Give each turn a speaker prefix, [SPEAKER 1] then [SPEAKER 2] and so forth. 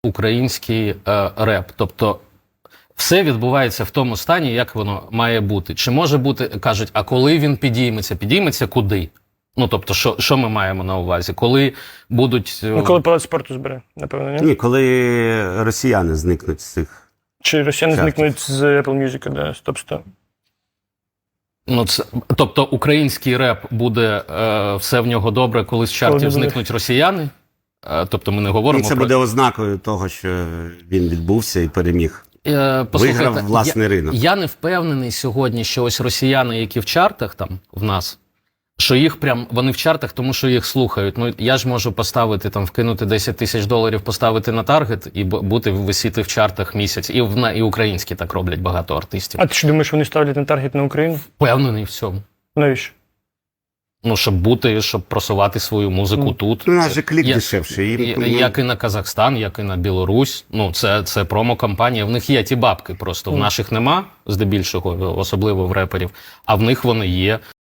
[SPEAKER 1] український реп. Тобто все відбувається в тому стані, як воно має бути. Чи може бути, кажуть, а коли він підійметься? Підійметься куди? Ну, тобто, що ми маємо на увазі? Коли будуть...
[SPEAKER 2] Ну, коли палац спорту збере, напевно, ні?
[SPEAKER 3] Ні, коли росіяни зникнуть з цих...
[SPEAKER 2] Чи росіяни
[SPEAKER 3] чартів.
[SPEAKER 2] зникнуть з Apple Music, да, з топ-100?
[SPEAKER 1] Ну, це, тобто український реп буде, все в нього добре, коли з чартів
[SPEAKER 2] Коли
[SPEAKER 1] зникнуть росіяни? Тобто ми не говоримо
[SPEAKER 3] І це
[SPEAKER 1] про...
[SPEAKER 3] буде ознакою того, що він відбувся і переміг.
[SPEAKER 1] Послухайте,
[SPEAKER 3] Виграв власний ринок.
[SPEAKER 1] Я не впевнений сьогодні, що ось росіяни, які в чартах там в нас, що їх прям, вони в чартах, тому що їх слухають. Ну, я ж можу поставити, там, вкинути 10 тисяч доларів, поставити на таргет і бути, висіти в чартах місяць. І українські так роблять багато артистів.
[SPEAKER 2] А ти що думаєш, вони ставлять на таргет на Україну?
[SPEAKER 1] Впевнений в цьому.
[SPEAKER 2] Навіщо?
[SPEAKER 1] Ну, щоб бути, щоб просувати свою музику тут.
[SPEAKER 3] Ну, у нас же клік дешевший.
[SPEAKER 1] Як і на Казахстан, як і на Білорусь. Ну, це промо-кампанія. В них є ті бабки просто. В наших нема, здебільшого, особливо в реперів, а в них вони є.